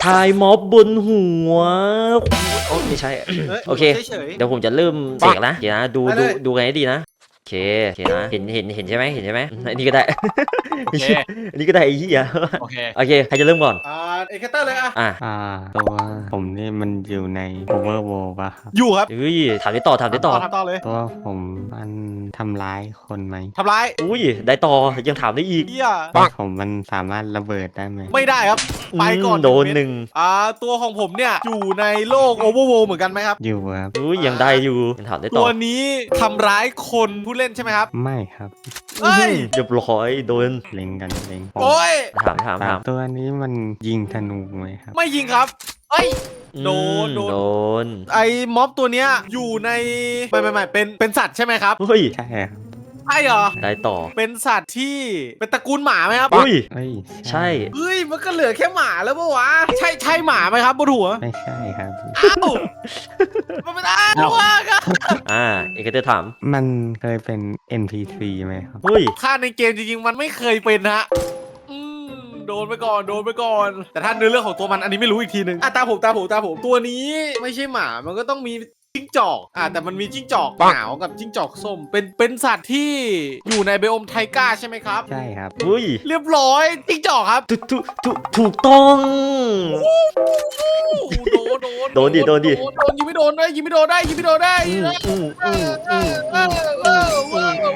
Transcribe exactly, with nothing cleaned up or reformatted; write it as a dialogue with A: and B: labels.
A: ทายม็อบบนหัวโอ้ไม่ใช่โอเคเดี๋ยวผมจะเริ่มเสกนะเดี๋ยวนะดูดูดูไงให้ดีนะโอเคโอเคนะเห็นเห็นเห็นใช่ไหมเห็นใช่ไหมอันนี้ก็ได้อันนี้ก็ได้ไอ้เหี้ยโอเคโอเคใครจะเริ่มก่อน
B: อ่าเอ็กเตอร์เลยอ่ะ
C: อ่าตัวผมนี่มันอยู่ใน Overworld ป่ะครับ
B: อยู่ครับ
A: อุ้ยถามได้ต่อถามได้ต่อ
B: ทำต่อเลย
C: ตัวผมมันทำร้ายคนไหม
B: ทำร้าย
A: อุ้ยได้ต่อยังถามได้อีก
B: เฮีย
C: ตัวผมมันสามารถระเบิดได้ไหม
B: ไม่ได้ครับไปก่อน
A: โดนหนึ่ง
B: อ่าตัวของผมเนี่ยอยู่ในโลกโอเวอร์โวเหมือนกันไหมครับ
C: อยู่ครับ
A: อุ้ยยังได้อยู่ยังถามได้ต่
B: ตั
A: อ
B: วนี้ทำร้ายคนผู้เล่นใช่ไหมครับ
C: ไม่ครับ
B: เอ้ย
A: เรียบร้อยโดน
C: เล็งกันเล็ง
B: โอ้ย
A: ถามถามถาม
C: ตัวนี้มันยิงธนูไหมครับ
B: ไม่ยิงครับเอ้ย โดน
A: โด
B: โดน
A: โดน
B: ไอ้ม็อบตัวเนี้ยอยู่ในไม่ไม่ไม่เป็นเป็นสัตว์ใช่ไหมครับ
A: เฮ้ย
C: ใช่ครับ
B: ใช่เหรอ
A: ได้ต่อ
B: เป็นสัตว์ที่เป็นตระกูลหมาไหมครับ
A: อุ้ย
C: เอ้ย
A: ใช่
B: เฮ้ยมันก็เหลือแค่หมาแล้วปะวะใช่ใช่หมาไหมครับบนหัว
C: ไม่ใช่ครับ
B: อ้าวมันไม่ได้ตัวครับ
A: อ่าเอกเตอร์ถาม
C: มันเคยเป็น เอ็น พี ซี ไหมครับ
A: เฮ้ย
B: ค่าในเกมจริงๆมันไม่เคยเป็นฮะอืมโดนไปก่อนโดนไปก่อน แต่ถ้าเนื้อเรื่องของตัวมันอันนี้ไม่รู้อีกทีหนึ่งอ่ะตาผมตาผมตาผมตัวนี้ไม่ใช่หมามันก็ต้องมีจิ้งจอกอ่ะแต่มันมีจิ้งจอกขาวกับจิ้งจอกส้มเป็นเป็นสัตว์ที่อยู่ในไบโอมไทก้าใช่ไหมครับ
C: ใช่ครับ
A: อุ้ย
B: เรียบร้อยจิ้งจอกครับ
A: ถูกถูกถูกถูกต้อง
B: โดนโดน
A: โดนดิโดนดิ
B: โดนยิงไม่โดนได้ยิงไม่โดนได้ยิงไม่โดนได้
A: อืมอืมอืมอืม
B: เออเออเออ